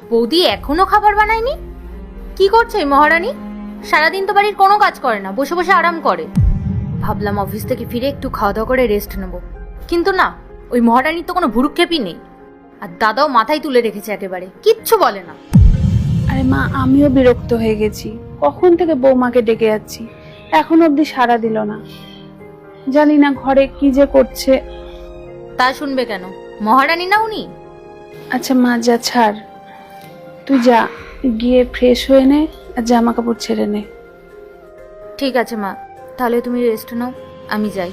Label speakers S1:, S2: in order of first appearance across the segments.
S1: বৌদি এখনো খাবার বানায়নি? কি করছে এই মহারানী? সারাদিন তো বাড়ির কোনো কাজ করে না, বসে বসে আরাম করে। ভাবলাম অফিস থেকে ফিরে একটু খাওয়া দাওয়া করে রেস্ট নেব, কিন্তু না, ওই মহারানীর তো কোনো ভুরুক্ষেপই নেই। আর দাদাও মাথায় তুলে রেখেছে, একেবারে কিচ্ছু বলে না।
S2: আরে মা, আমিও বিরক্ত হয়ে গেছি। কখন থেকে বৌমাকে ডেকে যাচ্ছি, এখনো অব্দি সাড়া দিল না। জানি না ঘরে কি যে করছে।
S1: তা শুনবে কেন? মহারানী না উনি?
S2: আচ্ছা মা, যা ছাড়, তুই যা, গিয়ে ফ্রেশ হয়ে নে আর জামা কাপড় ছেড়ে নে।
S1: ঠিক আছে মা, তাহলে তুমি রেস্ট নাও, আমি যাই।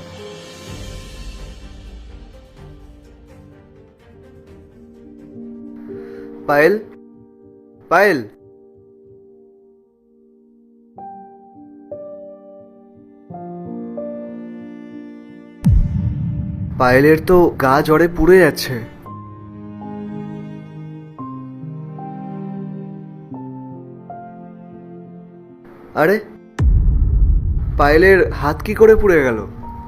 S3: পায়েল, পায়েল, পায়েলের তো গা জ্বরে পুড়ে যাচ্ছে। আরে, পায়েলের হাত কি করে পুড়ে গেল?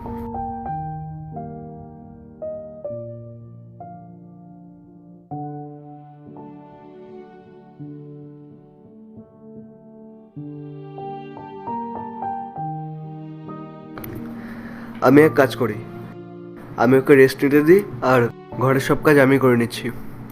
S3: আমি এক কাজ করি, আমি ওকে রেস্ট নিতে দিই আর ঘরের সব কাজ আমি করে নিচ্ছি।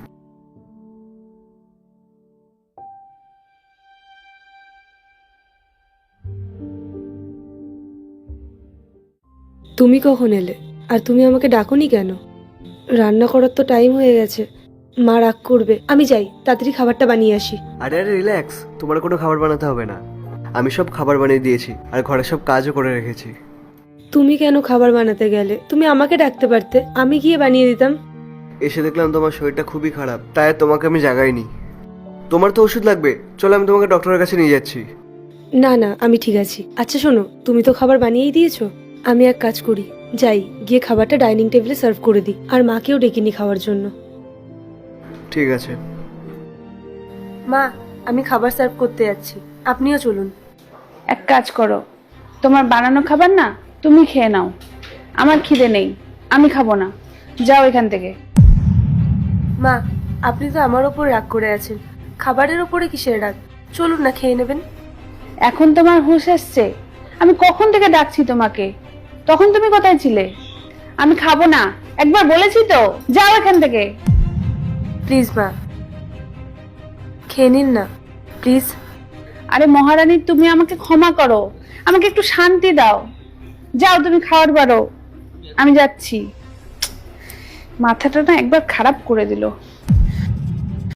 S4: তুমি কখন এলে? আর তুমি আমাকে ডাকোনি কেন? রান্না করার তো টাইম হয়ে গেছে, মা রাগ করবে। আমি যাই, তাড়াতাড়ি খাবারটা বানিয়ে আসি।
S3: আরে আরে রিল্যাক্স, তোমার কোনো খাবার বানাতে হবে না, আমি সব খাবার বানিয়ে দিয়েছি আর ঘরের সব কাজও করে রেখেছি।
S4: তুমি কেন খাবার বানাতে গেলে? তুমি আমাকে ডাকতে পারতে, আমি গিয়ে বানিয়ে দিতাম।
S3: এসে দেখলাম তোমার শরীরটা খুবই খারাপ, তাই তোমাকে আমি জাগাইনি। তোমার তো ওষুধ লাগবে, চলো আমি তোমাকে ডক্টরের কাছে নিয়ে যাচ্ছি।
S4: না না, আমি ঠিক আছি। আচ্ছা শোনো, তুমি তো খাবার বানিয়েই দিয়েছো, আমি এক কাজ করি, যাই গিয়ে খাবারটা ডাইনিং টেবিলে সার্ভ করে দিই, আর মাকেও ডেকে খাওয়ার জন্য।
S3: ঠিক আছে।
S4: মা, আমি খাবার সার্ভ করতে যাচ্ছি, আপনিও চলুন।
S2: এক কাজ করো, তোমার বানানো খাবার না তুমি খেয়ে নাও, আমার খিদে নেই, আমি খাবো না, যাও এখান থেকে।
S4: মা, আপনি তো আমার ওপর রাগ করে আছেন, খাবারের ওপরে কিসের রাগ? চলুন না, খেয়ে নেবেন।
S2: এখন তোমার হুঁশ এসছে? আমি কখন থেকে ডাকছি তোমাকে, তখন তুমি কোথায় ছিলে? আমি খাবো না, একবার বলেছি তো, যাও এখান থেকে।
S4: প্লিজ মা, খেয়ে নিন না প্লিজ।
S2: আরে মহারানী, তুমি আমাকে ক্ষমা করো, আমাকে একটু শান্তি দাও, যাও তুমি খাবার বাড়ো, আমি যাচ্ছি। মাথাটা না একবার খারাপ করে দিল।